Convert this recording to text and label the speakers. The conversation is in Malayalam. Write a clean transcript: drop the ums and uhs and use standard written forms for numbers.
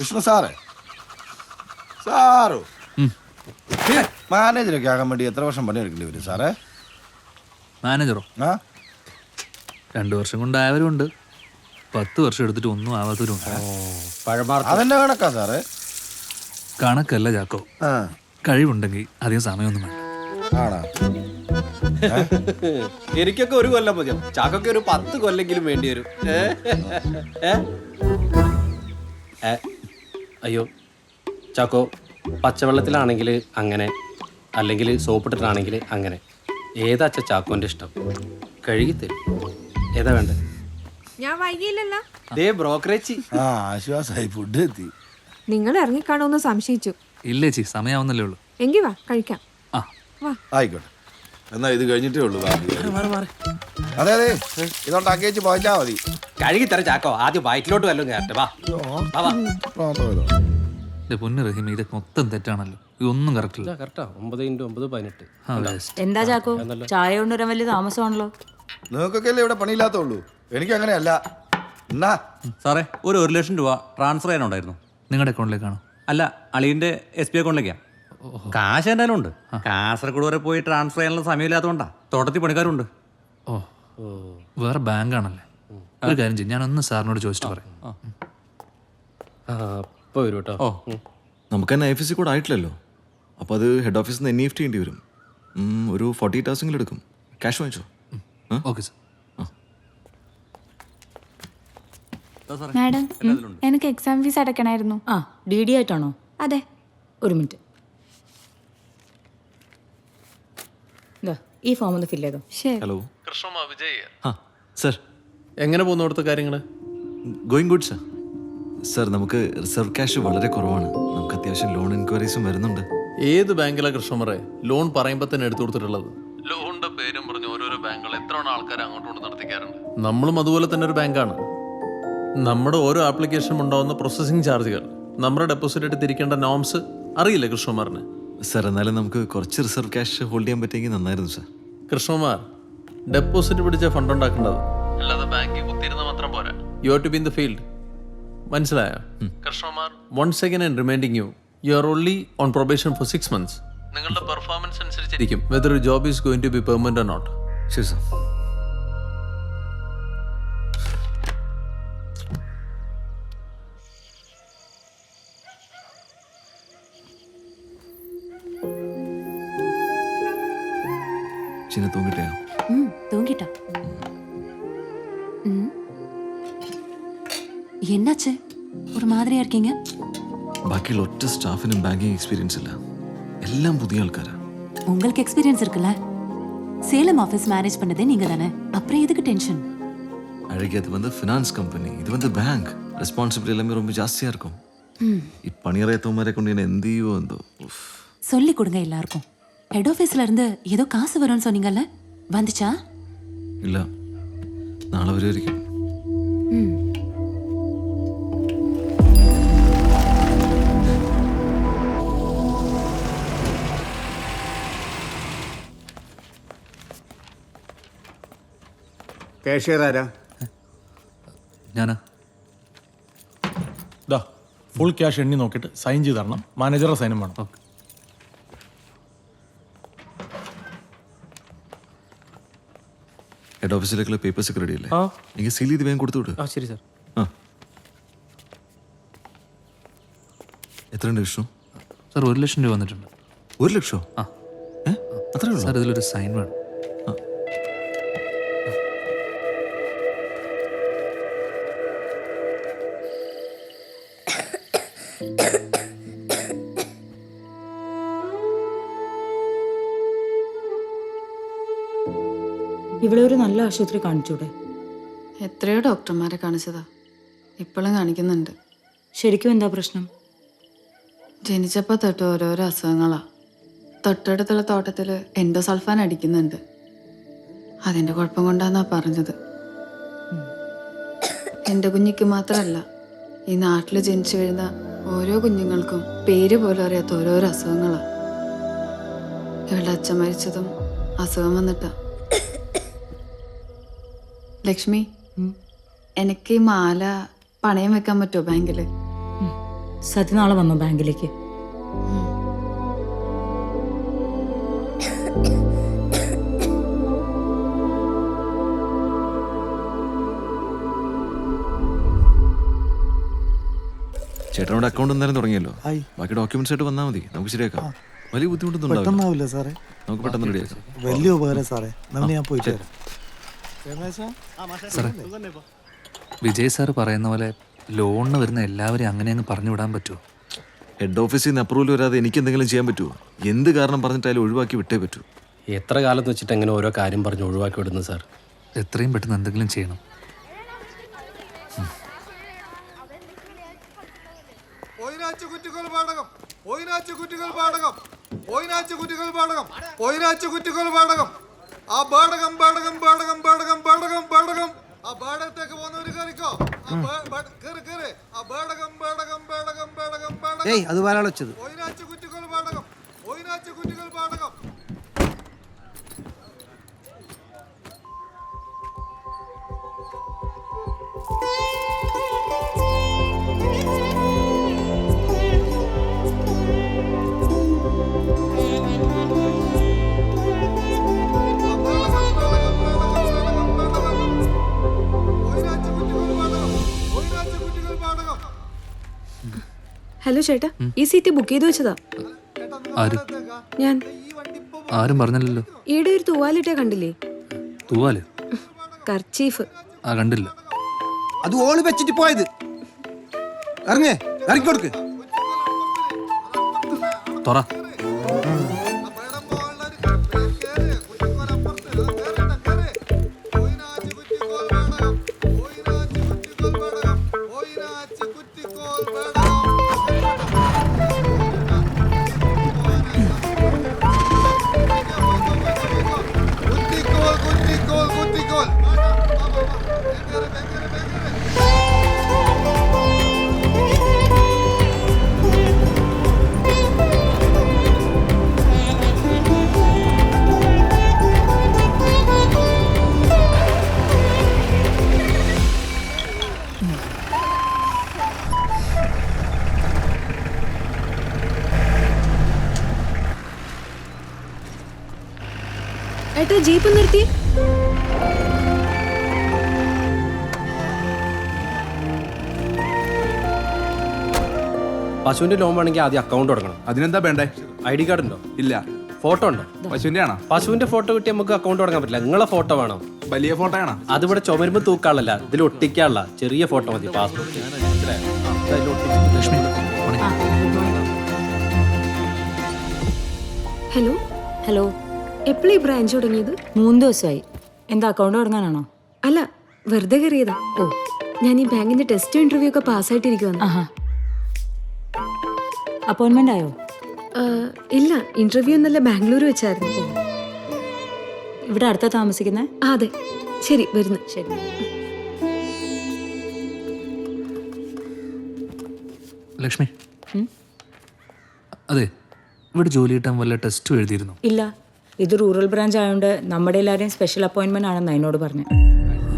Speaker 1: കൃഷ്ണ സാറേ സാറോ മാനേജറൊക്കെ ആകാൻ വേണ്ടി എത്ര വർഷം പണിയെടുക്കേണ്ടി വരും സാറേ?
Speaker 2: മാനേജറോ?
Speaker 1: ആ
Speaker 2: 2 വർഷം കൊണ്ടായവരുണ്ട്, 10 വർഷം എടുത്തിട്ട് ഒന്നും ആവാത്തവരുണ്ട്.
Speaker 1: അതെന്നെ കണക്കാ സാറേ?
Speaker 2: കണക്കല്ല ചാക്കോ,
Speaker 1: ആ
Speaker 2: കഴിവുണ്ടെങ്കിൽ അധികം സമയമൊന്നും വേണ്ട.
Speaker 1: ആണോ?
Speaker 3: എനിക്കൊക്കെ 1 കൊല്ലം മതിയോ, ചാക്കൊക്കെ ഒരു 10 കൊല്ലെങ്കിലും വേണ്ടി വരും. അയ്യോ ചാക്കോ, പച്ചവെള്ളത്തിലാണെങ്കിൽ അങ്ങനെ, അല്ലെങ്കിൽ സോപ്പിട്ടിട്ടാണെങ്കിൽ അങ്ങനെ. ഏതാ അച്ഛ ചാക്കോന്റെ ഇഷ്ടം? കഴുകിത്തരും. ഏതാ വേണ്ടത്?
Speaker 4: ഞാൻ വൈകിയില്ലല്ലോ.
Speaker 3: ദേ ബ്രോക്കറേജ്.
Speaker 1: ആ ആശ്വാസമായി, ഫുഡ് എത്തി.
Speaker 4: നിങ്ങൾ ഇറങ്ങിക്കാണോന്ന് സംശയിച്ചു.
Speaker 2: ഇല്ലേ ചി, സമയാവുന്നല്ലേ ഉള്ളൂ.
Speaker 4: എങ്കി വാ കഴിക്കാം.
Speaker 2: ആ
Speaker 4: വാ.
Speaker 1: ആയിക്കോട്ടെ, എന്നാ ഇത് കഴിഞ്ഞിട്ടേ ഉള്ളൂ. അതെ അതെ, ഇതോണ്ടാക്കി വെച്ച് പോയിച്ചാ മതി.
Speaker 3: കഴുകിത്തരാം ചാക്കോ, ആദ്യം വയറ്റിലോട്ട് വല്ലതും കയറട്ടെ. വാ വാ, വാ.
Speaker 2: എന്റെ പൊന്നു റഹീം, ഇതൊക്കെ മൊത്തം തെറ്റാണല്ലോ. ഇതൊന്നും കറക്റ്റ് ഇല്ല.
Speaker 3: കറക്റ്റാ, 9 × 9 = 18.
Speaker 5: എന്താ ചാക്കോ, ചായ കൊണ്ടുവരാൻ വലിയ താമസമാണല്ലോ.
Speaker 1: നിങ്ങൾക്കൊക്കെ അല്ലേ ഇവിടെ പണിയില്ലാത്തുള്ളൂ, എനിക്ക് അങ്ങനെയല്ല. എന്നാ
Speaker 6: സാറേ, ഒരു 1 ലക്ഷം രൂപ ട്രാൻസ്ഫർ ചെയ്യാനുണ്ടായിരുന്നു.
Speaker 2: നിങ്ങളുടെ അക്കൗണ്ടിലേക്കാണോ?
Speaker 6: അല്ല, അളിയൻ്റെ SB അക്കൗണ്ടിലേക്കാണ്. കാശ് എന്തായാലും ഉണ്ട്. കാസർഗോഡ് വരെ പോയി ട്രാൻസ്ഫർ ചെയ്യാനുള്ള സമയമില്ലാത്തതുകൊണ്ടാ. തോട്ടത്തിൽ പണിക്കാരുണ്ട്.
Speaker 2: ഓ വേറെ ബാങ്കാണല്ലേ. ഒരു കാര്യം ചെയ്യും, ഞാനൊന്ന് സാറിനോട് ചോദിച്ചിട്ട് പറയാം.
Speaker 3: ഇപ്പോൾ വരും കേട്ടോ.
Speaker 7: നമുക്ക് തന്നെ IFSC കോഡ് ആയിട്ടില്ലല്ലോ, അപ്പോൾ അത് ഹെഡ് ഓഫീസിൽ നിന്ന് NEFT ചെയ്യേണ്ടി വരും. ഒരു 48 hours എടുക്കും. ക്യാഷ് വാങ്ങിച്ചോ?
Speaker 2: Okay sir.
Speaker 8: മാഡം, എനിക്ക് എക്സാം ഫീസ് അടയ്ക്കണമായിരുന്നു.
Speaker 5: ആ DD ആയിട്ടാണോ?
Speaker 8: അതെ.
Speaker 5: ഒരു മിനിറ്റ്, ഇതാ ഈ ഫോം ഒന്ന് ഫില്ല് ചെയ്തോ.
Speaker 8: ശരി.
Speaker 7: ഹലോ
Speaker 2: കൃഷ്ണ വിജയ്.
Speaker 7: ആ സർ,
Speaker 3: എങ്ങനെ പോകുന്നു അവിടുത്തെ കാര്യങ്ങൾ?
Speaker 7: Going good sir. സർ, നമുക്ക് റിസർവ് ക്യാഷ് വളരെ കുറവാണ്. നമുക്ക് അത്യാവശ്യം ലോൺ എൻക്വയറീസും വരുന്നുണ്ട്.
Speaker 9: ഏത് ബാങ്കിലാണ് കൃഷ്ണമറെ ലോൺ പറയുമ്പോൾ തന്നെ എടുത്തു കൊടുത്തിട്ടുള്ളത്?
Speaker 2: ലോണിന്റെ പേരും പറഞ്ഞ് ഓരോരോ ബാങ്കുകൾ എത്ര ആൾക്കാർ അങ്ങോട്ട് നടത്തിക്കാറുണ്ട്.
Speaker 9: നമ്മളും അതുപോലെ തന്നെ ഒരു ബാങ്കാണ്. നമ്മുടെ ഓരോ ആപ്ലിക്കേഷനും ഉണ്ടാവുന്ന പ്രോസസ്സിംഗ് ചാർജുകൾ, നമ്മുടെ ഡെപ്പോസിറ്റ് ആയിട്ട് തിരിക്കേണ്ട നോംസ് അറിയില്ലേ കൃഷ്ണകുമാറിന്?
Speaker 7: സർ, എന്നാലും നമുക്ക് കുറച്ച് റിസർവ് ക്യാഷ് ഹോൾഡ് ചെയ്യാൻ പറ്റിയെങ്കിൽ നന്നായിരുന്നു സർ.
Speaker 9: കൃഷ്ണകുമാർ, ഡെപ്പോസിറ്റ് പിടിച്ച ഫണ്ട് ഉണ്ടാക്കേണ്ടത്,
Speaker 2: അല്ലാതെ ബാങ്കിൽ കുത്തിയിരുന്ന മാത്രം പോരാ.
Speaker 9: You have to be in the field. മനസ്സിലായോ
Speaker 2: Krishnakumar?
Speaker 9: Once again and reminding you are only on probation for 6 months.
Speaker 2: നിങ്ങളുടെ പെർഫോമൻസ് അനുസരിച്ചിരിക്കും
Speaker 9: whether job is going to be permanent or not.
Speaker 7: ശരി സർ. ചിന്ന തൂങ്ങിട്ടേ?
Speaker 8: தூங்கிட்டா. என்னாச்சு, ஒரு மாதிரியா இருக்கீங்க?
Speaker 7: ബാക്കിയുള്ള ഒറ്റ സ്റ്റാഫിനും ബാങ്കിങ് എക്സ്പീരിയൻസ് ഇല്ല, എല്ലാം പുതിയ ആൾക്കാരാ.
Speaker 8: உங்களுக்கு எக்ஸ்பீரியன்ஸ் இருக்குல்ல, சேலம் ஆஃபீஸ் மேனேஜ் பண்ணதே நீங்க தானே, அப்புறம் எதுக்கு டென்ஷன்?
Speaker 7: அழகி, அது வந்து ஃபினான்ஸ் கம்பெனி, இது வந்து பேங்க். ரெஸ்பான்சிபிலிட்டி எல்லாமே ரொம்ப ஜாஸ்தியா இருக்கும். இப்பணியறையத்தவமாരെ കൊണ്ട് ഞാൻ എന്ത് ചെയ്യുമോ എന്തോ.
Speaker 8: சொல்லி கொடுங்க எல்லாருக்கும். ஹெட் ஆஃபீஸ்ல இருந்து ஏதோ காசு வரும்னு சொன்னீங்கல்ல, வந்துச்சா?
Speaker 7: ഇല്ല, നാളെ വരുമായിരിക്കും.
Speaker 10: കാഷ്യർ ആരാ?
Speaker 2: ഞാനാ.
Speaker 9: ഫുൾ ക്യാഷ് എണ്ണി നോക്കിയിട്ട് സൈൻ ചെയ്ത് തരണം. മാനേജറുടെ സൈനും വേണം.
Speaker 2: ഓക്കെ.
Speaker 7: ഹെഡ് ഓഫീസിലേക്കുള്ള പേപ്പേഴ്സ് ഒക്കെ റെഡി അല്ലേ? എനിക്ക് സീൽ ചെയ്ത് വേഗം കൊടുത്തു വിട്.
Speaker 3: ശരി സാർ.
Speaker 7: ആ, എത്രയുണ്ട് വിഷ്ണു?
Speaker 2: സാർ 1 ലക്ഷം രൂപ വന്നിട്ടുണ്ട്.
Speaker 7: 1 ലക്ഷോ?
Speaker 2: ആ.
Speaker 7: അത്രേ ഉള്ളൂ?
Speaker 2: സാർ ഇതിലൊരു സൈൻ വേണം.
Speaker 5: ഇവിടെ ഒരു നല്ല ആശുപത്രി കാണിച്ചൂടെ?
Speaker 11: എത്രയോ ഡോക്ടർമാരെ കാണിച്ചതാ, ഇപ്പോഴും കാണിക്കുന്നുണ്ട്.
Speaker 5: ശരിക്കും എന്താ പ്രശ്നം?
Speaker 11: ജനിച്ചപ്പോൾ തൊട്ട് ഓരോരോ അസുഖങ്ങളാ. തൊട്ടടുത്തുള്ള തോട്ടത്തിൽ എൻഡോസൾഫാൻ അടിക്കുന്നുണ്ട്. അതിൻ്റെ കുഴപ്പം കൊണ്ടാന്നാ പറഞ്ഞത്. എൻ്റെ കുഞ്ഞിക്ക് മാത്രമല്ല, ഈ നാട്ടിൽ ജനിച്ചു വീഴുന്ന ഓരോ കുഞ്ഞുങ്ങൾക്കും പേര് പോലും അറിയാത്ത ഓരോരോ അസുഖങ്ങളാ. ഇവളുടെ അച്ഛൻ മരിച്ചതും അസുഖം വന്നിട്ടാ. ലക്ഷ്മി, എനിക്ക് ഈ മാല പണയം വെക്കാൻ പറ്റുമോ ബാങ്കിൽ?
Speaker 5: സത്യ നാളെ വന്നോ ബാങ്കിലേക്ക്?
Speaker 7: ചേട്ടനോട് അക്കൗണ്ട് എന്തായാലും തുടങ്ങിയല്ലോ. ബാക്കി ഡോക്യുമെന്റ്സ് ആയിട്ട് വന്നാൽ മതി, നമുക്ക് ശരിയാക്കാം. വലിയ ബുദ്ധിമുട്ടൊന്നും ഉണ്ടാവില്ല
Speaker 10: സാറേ.
Speaker 7: നമുക്ക് പെട്ടെന്ന് റെഡിയാക്കാം.
Speaker 10: വലിയ ഉപകാരം സാറേ. ഞാൻ പോയിട്ട് വരാം.
Speaker 2: സാറേ, വിജയ് സാറ് പറയുന്ന പോലെ ലോണിന് വരുന്ന എല്ലാവരെയും അങ്ങനെ അങ്ങ് പറഞ്ഞു വിടാൻ പറ്റുമോ?
Speaker 7: ഹെഡ് ഓഫീസിൽ നിന്ന് അപ്രൂവൽ വരാതെ എനിക്ക് എന്തെങ്കിലും ചെയ്യാൻ പറ്റുമോ? എന്ത് കാരണം പറഞ്ഞിട്ടായാലും ഒഴിവാക്കി വിട്ടേ പറ്റൂ.
Speaker 3: എത്ര കാലത്ത് വെച്ചിട്ട് എങ്ങനെ ഓരോ കാര്യം പറഞ്ഞ് ഒഴിവാക്കി വിടുന്നു സാർ?
Speaker 2: എത്രയും പെട്ടെന്ന് എന്തെങ്കിലും ചെയ്യണം.
Speaker 3: അത് വരാൻ വെച്ചത്.
Speaker 4: ഹലോ ചേട്ടാ, ഈ സീറ്റ് ബുക്ക് ചെയ്ത് വെച്ചതാ.
Speaker 2: ആര്?
Speaker 4: ഞാൻ.
Speaker 2: ആരും പറഞ്ഞില്ലല്ലോ.
Speaker 4: ഈടെ ഒരു തൂവാലിട്ടേ കണ്ടില്ലേ?
Speaker 2: തൂവാല്?
Speaker 4: കർച്ചീഫ്.
Speaker 2: കണ്ടില്ല.
Speaker 3: അത് ഓള് വെച്ചിട്ട് പോയത്. ഇറങ്ങിക്കൊടുക്ക്.
Speaker 2: തുറ.
Speaker 4: ഏട്ടാ, ജീപ്പ് നിർത്തി.
Speaker 3: പശുവിന്റെ ലോൺ വേണമെങ്കിൽ ആദ്യം അക്കൗണ്ട് തുടങ്ങണം.
Speaker 1: അതിനെന്താ വേണ്ടേ?
Speaker 3: ID കാർഡ് ഉണ്ടോ?
Speaker 1: ഇല്ല.
Speaker 3: ഫോട്ടോ ഉണ്ടോ?
Speaker 1: പശുവിന്റെ ആണോ?
Speaker 3: പശുവിന്റെ ഫോട്ടോ കിട്ടി നമുക്ക് അക്കൗണ്ട് തുടങ്ങാൻ പറ്റില്ല. നിങ്ങളെ ഫോട്ടോ വേണം.
Speaker 1: വലിയ ഫോട്ടോ ആണോ?
Speaker 3: അതിവിടെ ചുമരുമ്പ് തൂക്കാളല്ല, ഇതിൽ ഒട്ടിക്കാനുള്ള ചെറിയ ഫോട്ടോ മതി. പാസ്പോർട്ട്.
Speaker 2: ലക്ഷ്മി,
Speaker 4: ഹലോ.
Speaker 5: ഹലോ.
Speaker 4: എപ്പോഴീ ബ്രാഞ്ച് തുടങ്ങിയത്?
Speaker 5: 3 ദിവസമായി. എന്താ അക്കൗണ്ട് തുടങ്ങാനാണോ?
Speaker 4: അല്ല, വെറുതെ കയറിയതാ. ഓ, ഞാൻ ഈ ബാങ്കിന്റെ ടെസ്റ്റ് ഇന്റർവ്യൂ ഒക്കെ പാസ്സായിട്ടിരിക്കുവാണ്.
Speaker 5: ആഹാ. അപ്പോയിന്റ്മെന്റ് ആയോ?
Speaker 4: ഇല്ല, ഇന്റർവ്യൂ ഇന്നലെ ബാംഗ്ലൂർ വെച്ചായിരുന്നു.
Speaker 5: ഇവിടെ അടുത്താ താമസിക്കുന്നേ?
Speaker 4: അതെ. ശരി, വരുന്നു.
Speaker 5: ശരി.
Speaker 2: ലക്ഷ്മി, അതെ, ഇവിടെ ജോലി കിട്ടാൻ വല്ല ടെസ്റ്റും എഴുതിയിരുന്നു?
Speaker 5: ഇല്ല, ഇത് റൂറൽ ബ്രാഞ്ച് ആയതുകൊണ്ട് നമ്മുടെ എല്ലാവരെയും സ്പെഷ്യൽ അപ്പോയിന്റ്മെന്റ് ആണെന്ന് എന്നോട് പറഞ്ഞു.